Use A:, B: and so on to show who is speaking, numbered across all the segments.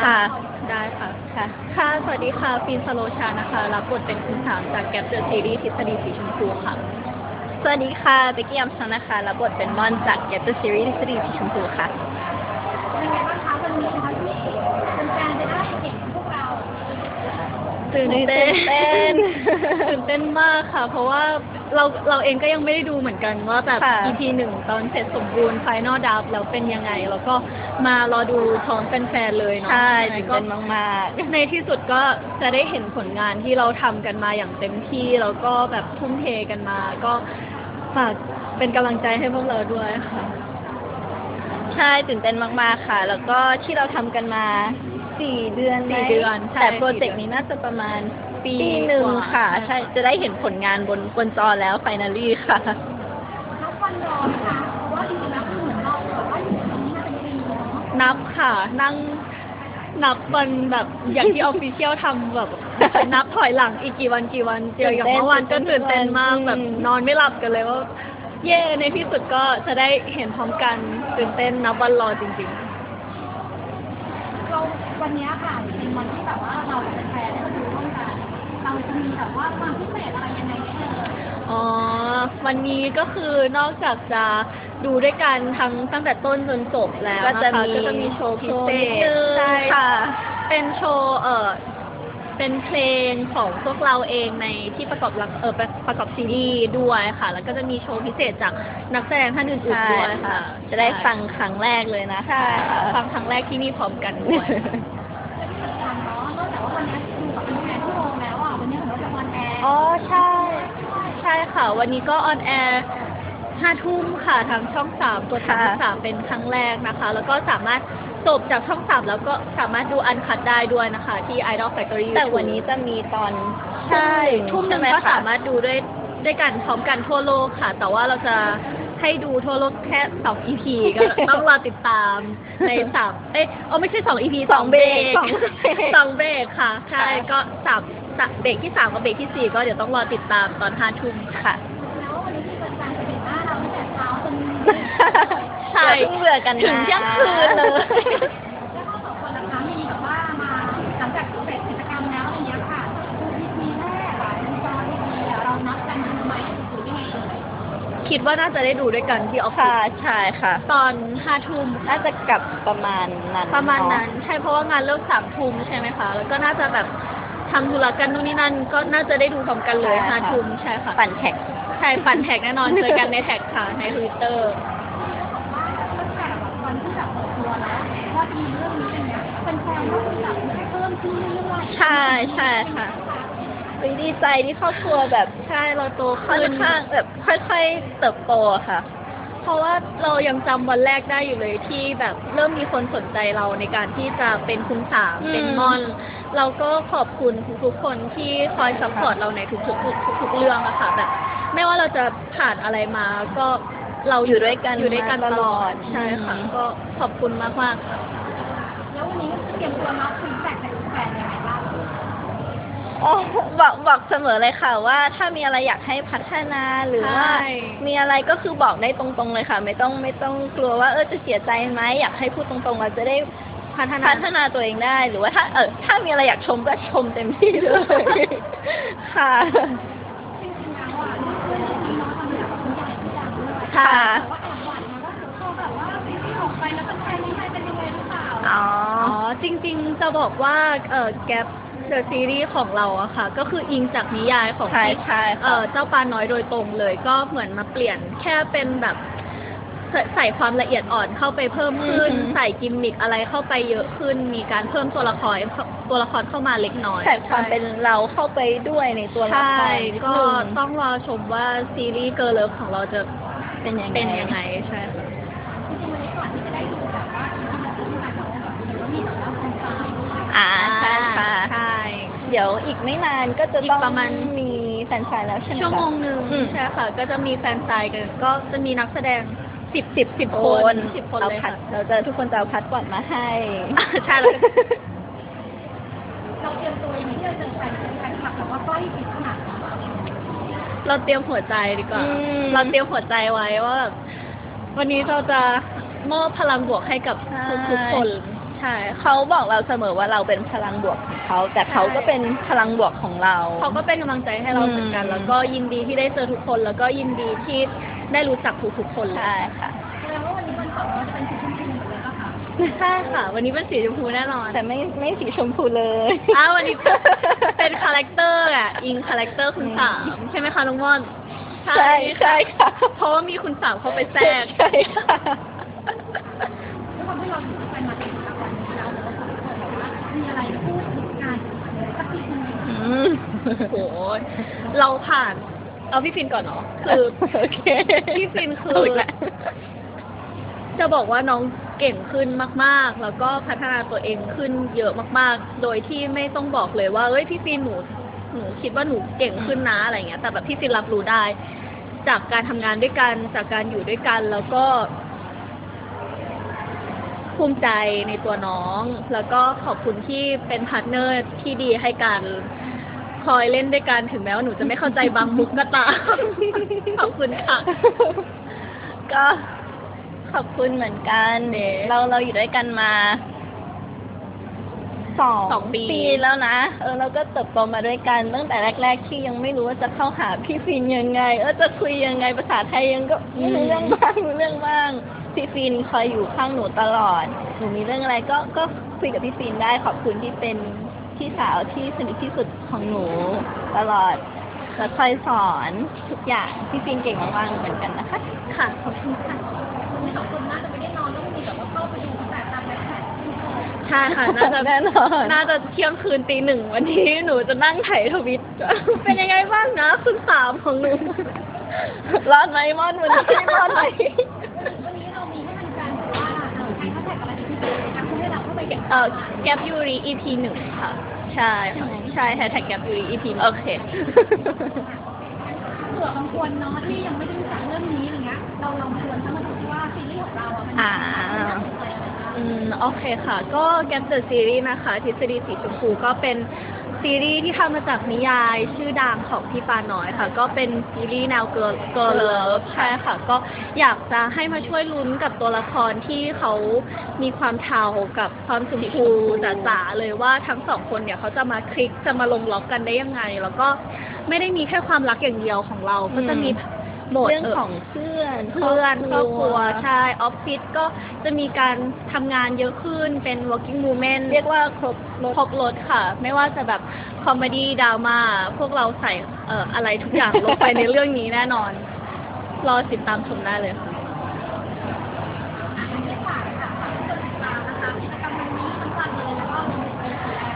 A: ค่ะ
B: ได้ค่ะ
A: ค่ะ
B: ค่ะสวัสดีค่ะฟินสโลชานะคะรับบทเป็นคุณสามจากแกปเดอะซีรีส์ทฤษฎีสีชมพูค่ะ
A: สวัสดีค่ะเบกกี้อัมชันนะคะรับบทเป็นม่อนจาก Get the Series ทฤษฎีสีชมพูค่ะ
C: เป็นไงบ้างคะวันนี้คะที่เป็นแฟนจะได้เห็นพวกเรา
B: ตื่นเต้น ตื่นเต้นมากค่ะ เพราะว่าเราเองก็ยังไม่ได้ดูเหมือนกันว่าแบบ
A: ค่ะ
B: EP 1 ตอนเสร็จสมบูรณ์ Final Draft แล้วเป็นยังไง แล้วก็มารอดูพร้อมแฟนๆเลยเนาะ
A: ใช่
B: ยังไง
A: ตื่น
B: ก็
A: เต้นมาก
B: ในที่สุดก็จะได้เห็นผลงานที่เราทำกันมาอย่างเต็มที่แล้วก็แบบทุ่มเทกันมา ก็ฝากเป็นกำลังใจให้พวกเราด้วยค่ะ
A: ๆ ใช่ตื่นเต้นมากๆค่ะ แล้วก็ที่เราทำกันมา4 เดือนไหม
B: 4 เดือนใช่
A: แต่โปรเจก
B: 4
A: ต์
B: เดือน
A: นี้น่าจะประมาณ
B: ปี
A: หนึ่ง
B: กว่า
A: ค่ะ
B: ใช่
A: ใช่จะได้เห็นผลงานบนจอแล้ว finally ค่ะ
C: นับวันรอนะคะเพราะว่าจริงๆแล้วคือเหมือนเราแบบว่าอยู่ตรงนี้มาเป็นปีเนาะ
B: นับค่ะนั่งนับวันแบบอย่างที่ออฟฟิเชียลทำแบบ นับถอยหลังอีกกี่วันเจออย่างเมื่อวานก็ตื่นเต้นมากแบบนอนไม่หลับกันเลยว่า เย่ในที่สุดก็จะได้เห็นพร้อมกันตื่นเต้นนับวันรอจริง
C: เราวันนี้ค่ะเป็นวันที่แบบว่าเราเป็นแฟนได้มาดูร่วมกันเราจะมีแบบว่าความพิเศษอะไรยังไงไหมเอ่ย
B: ๆอ๋อวันนี้ก็คือนอกจากจะดูด้วยกันตั้งแต่ต้นจนจบแล้ว
A: ก็
B: นะ
A: จะ
B: คะ
A: มี
B: ก็จะมีโชว์พิเศ
A: นิด
B: ษ
A: นึง
B: ใช่
A: ค่ะ
B: เป็นโชว์เป็นเพลงของพวกเราเองในที่ประกอบซีรีส์ด้วยค่ะ แล้วก็จะมีโชว์พิเศษจากนักแสดงท่านอื่น
A: ใช่
B: ๆด้วย
A: ค่ะ
B: ค่ะ
A: จะได้ฟังครั้งแรกเลยนะ
B: ใช่
A: ค่ะ
B: ฟังครั้งแรกที่นี่พร้อมกันด้วย
C: และที่สำคัญเนาะนอกจากว่าวันนี้ดูกับเป็นแฟนที่โรงแล้วอ่ะวันนี้ของเราจะวันแอร์
B: อ๋อใช่ ใช่ค่ะ วันนี้ก็ออนแอร์5 ทุ่มค่ะทางช่อง3กด
A: ค่ะ
B: 33เป็นครั้งแรกนะคะ แล้วก็สามารถจบจากช่อง3แล้วก็สามารถดูอันคัดได้ด้วยนะคะ ที่ Idol Factory
A: แต่
B: YouTube
A: วันนี้จะมีตอน
B: ใช่ทุ่มหนึ่ง
A: ใช่ไ
B: ก็สามารถดูด้วยกันพร้อมกันทั่วโลกค่ะ แต่ว่าเราจะให้ดูทั่วโลกแค่2 EP ก็ต้องรอติดตามในไม่ใช่2 EP 2 เบรก
A: สองเบรก
B: 2 เบรกค่ะ ใช่ก็3 เบรกที่ 3 กับเบรกที่ 4 ก็เดี๋ยวต้องรอติดตามตอน5 ทุ่มค่ะ
C: แล้ววันนี้ที่เป็นการจะเห็นหน้าเราตั้งแต่เช้าจน
B: ใช่
A: อย่าเพิ่งเบื่อกันนะ
B: ถึงเที่ยงคืนเลย
C: แล้วก็สองคนนะคะมีแบบว่ามาหลังจากเสร็จกิจกรรมแล้วอะไรเงี้ยค่ะดู EP แรกอะในจอ EP อะเรานัดกันดูไหมหรือยังไงเอ่ย
B: คิดว่าน่าจะได้ดูด้วยกันที่ออฟฟิ
A: ค่ะ
B: ศ
A: ใช่ค่ะ
B: ตอน5 ทุ่ม
A: น่าจะกลับประมาณนั้น
B: ประมาณนั้น
A: เอะ
B: ใช่เพราะว่างานเลิก3 ทุ่มใช่ไหมคะ แล้วก็น่าจะแบบทำธุระกันนู่นนี่นั่น ก็น่าจะได้ดูพร้อมกันเลย
A: ใช่ค่ะ
B: 5 ทุ่มใช่ค่ะ
A: ปั่นแท็ก
B: ใช่ปั่นแท็กแน่นอน เจอกันในแท็กค่ะ ใน Twitter
C: ว่าตั้งแต่แบบวันที่แบบเปิดตัวแล้วว่าจะมีเรื่องนี้เป็นเนี้ยเป็นแฟนก็คือแบบเพิ่มขึ้นเรื่อยๆ
A: ใช่ใช่ค่ะเฮ้ยดีใจที่ครอบครัวแบบ
B: ใช่เราโต
A: ค่อน
B: ขึ้น
A: ข้างแบบค่อยๆเติบโตอะค่ะ
B: เพราะว่าเรายังจำวันแรกได้อยู่เลยที่แบบเริ่มมีคนสนใจเราในการที่จะเป็นคุณสาม
A: อืม
B: เป็นม่อน เราก็ขอบคุณทุกๆคนที่คอยซัพพอร์ตเราในทุกๆเรื่องอะค่ะแบบไม่ว่าเราจะผ่านอะไรมาก็เรา
A: อยู่ด้วยกัน
B: อยู่ด้วยกัน
A: มา
B: ต
A: ต
B: ล
A: ล
B: อ
A: อ
B: ด
A: ด
B: ใช่ค่ะ
A: อืม
B: ก็ขอบคุณมากๆค่ะ
C: แล้ววันนี้ก็เตรียมตัวรับฟีดแบ็กจากแฟนยังไงบ้าง
A: อ๋อบอกเสมอเลยค่ะว่าถ้ามีอะไรอยากให้พัฒนาหรือว่า
B: ใช่
A: มีอะไรก็คือบอกได้ตรงๆเลยค่ะ ไม่ต้องกลัวว่าจะเสียใจไหมอยากให้พูดตรงๆเราจะได้
B: พัฒนา
A: พัฒนาตัวเองได้หรือว่าถ้ามีอะไรอยากชมก็ชมเต็มที่เลย ค่ะ
C: จริงๆแล้วอ่ะเพื่อนๆน้องๆทำแบบคุณใหญ่ทุกอย่างด้วย
A: ค่ะ
C: แต่ว่าแอบหวั่นนะว่าเดี๋ยวพอแบบว่าซีรีส์ออกไปแล้วแฟนๆนี่ใครเป็นยังไงหรือเปล่า
A: อ๋อ
B: อ๋อจริงๆจะบอกว่าแกปเดอะซีรีส์ของเราอะค่ะ ก็คืออิงจากนิยายของ
A: ใช่
B: ที่
A: ใช่ค่ะ
B: เจ้าปลาน้อยโดยตรงเลย ก็เหมือนมาเปลี่ยนแค่เป็นแบบใส่ความละเอียดอ่อนเข้าไปเพิ่มขึ้น ใส่กิมมิคอะไรเข้าไปเยอะขึ้น มีการเพิ่มตัวละครเข้ามาเล็กน้อย
A: ใส่ความเป็นเราเข้าไปด้วยในตัวละค
B: ใช่
A: รนิด
B: ก็
A: นึง
B: ต้องรอชมว่าซีรีส์เกิร์ลเลิฟของเราจะ
A: เป็นยังไง
B: เป็นยังไงใช่ค่ะ
C: จริงๆวันนี้ก่อนที่จะได้ดูแบบว่าที่แบบที่มาเราแบบเห็นว่ามีแบบว่าแฟนซายด้วย
A: ใช่ค่ะ
B: ใช่
A: เดี๋ยวอีกไม่นานก็จะ
B: อีก
A: ต้อง
B: ประมาณ
A: มีแฟนไซน์แล้วใช่ไหมคะ
B: ชั่วโมงหนึ่ง
A: อืม
B: ใช่ค่ะ ก็จะมีแฟนไซน์กัน ก็จะมีนักแสดง10
A: ค
B: คน
A: น
B: 10 คน
A: เอา
B: เลย
A: พั
B: ค่ะ
A: ดทุกคนจะเอาพัดก่อนมาให้
B: ใช่แล้วก็
C: เราเตรียมตัวยังไงที่เราเจอแฟนคลับแบบว่าใกล้ชิดขนาดนั้น
B: เราเตรียมหัวใจดีกว่า
A: อืม
B: เราเตรียมหัวใจไว้ว่าแบบวันนี้เราจะมอบพลังบวกให้กับ
A: ใช่
B: ทุกๆคน
A: ใช่เขาบอกเราเสมอว่าเราเป็นพลังบวกของเขาแต่เขาก็เป็นพลังบวกของเรา
B: เขาก็เป็นกำลังใจให้เราเหมือนกัน แล้วก็ยินดีที่ได้เจอทุกคน แล้วก็ยินดีที่ได้รู้จักทุกๆคนเลย
A: ใช่ค่ะ
C: แสดงว่าวันนี้วันเสาร์เราจะเป็นสีชมพูหมดเลยป่ะคะ
B: ใช่ค่ะ วันนี้เป็นสีชมพูแน่นอน
A: แต่ไม่สีชมพูเลย
B: วันนี้เป็นคาแรคเตอร์อ่ะอิงคาแรคเตอร์คุณสามใช่ไหมคะน้องม่อน
A: ใช่ใช่ค่ะ
B: เพราะว่ามีคุณสามเข้าไปแทรก
A: ใช่ค่ะ
C: ด้วยความที่เราอยู่กันมาเป็นเวลาวันนี้แล้วเราสองคนแบบว่ามีอะไรพูดถึงกันสักทีนึง
B: โห เราผ่าน เอาพี่ฟินก่อนเนาะ คือ
A: โอเค
B: พี่ฟินคือ
A: ถูกแล้ว
B: จะบอกว่าน้องเก่งขึ้นมากๆ แล้วก็พัฒนาตัวเองขึ้นเยอะมากๆ โดยที่ไม่ต้องบอกเลยว่าเอ้ยพี่ฟินหนูคิดว่าหนูเก่งขึ้นนะอะไรเงี้ย แต่แบบพี่ฟินรับรู้ได้ จากการทำงานด้วยกัน จากการอยู่ด้วยกัน แล้วก็ ภูมิใจในตัวน้อง แล้วก็ขอบคุณที่เป็นพาร์ทเนอร์ที่ดีให้กัน คอยเล่นด้วยกัน ถึงแม้ว่าหนูจะไม่เข้าใจบางมุกก็ตาม ขอบคุณค่ะ
A: ก็ขอบคุณเหมือนกัน
B: เอ๊ะ
A: เราอยู่ด้วยกันมา
B: สองปี
A: แล้วนะเราก็เติบโตมาด้วยกันตั้งแต่แรก ๆ ที่ยังไม่รู้ว่าจะเข้าหาพี่ฟินยังไงจะคุยยังไงภาษาไทยยังก็ไม่รู้เรื่องบ้างรู้เรื่องบ้างพี่ฟินคอยอยู่ข้างหนูตลอดหนูมีเรื่องอะไรก็คุยกับพี่ฟินได้ขอบคุณที่เป็นพี่สาวที่สนิทที่สุดของหนูตลอดและคอยสอนทุกอย่างพี่ฟินเก่งมากๆเหมือนกันนะคะ
B: ค่ะ ขอบคุณค่ะ
C: คุณสองคนน่าจะไม่ได้นอนต้องมีแบบว่าเข้าไปดูแต่ตามแบ็คแพ็ค
B: ใช่ค่ะ น่าจะ
A: แน่นอน
B: น่าจะเที่ยงคืนตีหนึ่งวันนี้หนูจะนั่งไถทวิต เป็นยังไงบ้างนะคุณสามของหนู
A: รอดไหมมอนวันนี้รอดไหม
C: วันนี้เรามีให้มันการแบบว่าใช้แฮชแท็กอะไรเป็นพิเศษไหมคะเพื่อให้เราเข้าไปเก็บ
B: แกปยูริ EP หนึ่งค่ะ ใช่ค่ะใช่แฮชแท็กแกปยูริ EP หนึ่ง
A: โอเค
C: เผื่อบางคนเนาะที่ยังไม่ได้รู้จักเรื่องนี้อะไรเงี้ยเราลองชวนเขามาดูซิว่าซีรีส์ของเราอ่ะมัน
A: อ่า
C: น่าสนใจอะไรบ้าง
B: โอเคค่ะ ก็ Gap the Series นะคะทฤษฎีสีชมพูก็เป็นซีรีส์ที่ทำมาจากนิยายชื่อดังของพี่ปาน้อยค่ะ ก็เป็นซีรีส์แนว Girl Love ใช่ค่ะ ก็อยากจะให้มาช่วยลุ้นกับตัวละครที่เขามีความเทากับความชมพูจ๋าๆเลยว่าทั้งสองคนเนี่ยเขาจะมาคลิกจะมาลงล็อกกันได้ยังไง แล้วก็ไม่ได้มีแค่ความรักอย่างเดียวของเรา ก็จะมีโหมด
A: เรื่องของเพื่อน
B: ครอบครัวใช่ออฟฟิศก็จะมีการทำงานเยอะขึ้นเป็น working woman
A: เรียกว่าครบร
B: คร
A: ถ
B: บรถค่ะ ไม่ว่าจะแบบคอมเมดี้ดราม่าพวกเราใส่อะไรทุกอย่างลงไปในเรื่องนี้แน่นอน รอติดตามชมได้เลยค่ะ
C: วันนี้ฝากค่ะฝากทุกคนติดตามนะคะกิจกรรมวันนี้ทั้งวันเลยแล้วก็มีไปแชร์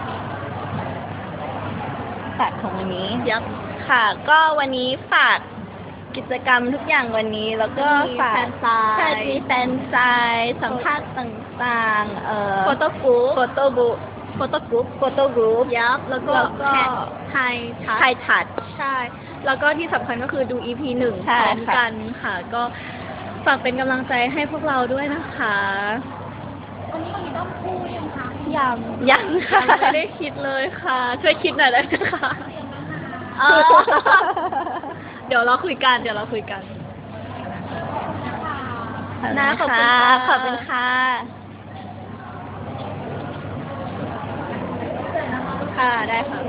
A: ฝากของวันนี้
B: ยับ
A: ค่ะ ก็วันนี้ฝากกิจกรรมทุกอย่างวันนี้ แล้วก็ฝาก
B: มีแฟนไซน์
A: ใช่มีแฟนไซน์สัมภาษณ์ต่างๆ
B: โฟโต้กรุ๊ป
A: โฟโต้บุ๊ก
B: โฟโต้กรุ๊ป
A: โฟโต้กรุ๊ป
B: ยับแล้วก็
A: แล้วก็
B: ไฮทัช
A: ไทยทัด
B: ใช่ แล้วก็ที่สำคัญก็คือดู EP หนึ่ง
A: ใช่
B: พร้อม
A: ค่ะ
B: กันค่ะ ก็ฝากเป็นกำลังใจให้พวกเราด้วยนะคะ
C: วันนี้เรามีต้องพูดยังคะ
B: ยัง
A: ยังค่ะ
B: ไม่ได้คิดเลยค่ะ ช่วยคิดหน่อยได้ไหมคะ
C: เตรียมแล้วนะคะ
B: อ๋อเดี๋ยวเราคุยกัน
A: ขอบ
B: นะ
A: คุ
B: ข
A: ณ
B: อบคุณ
A: ค่ะ
B: ค่ะ
A: ขอบคุณค่ะ
B: ค่ะ ได้ค่ะ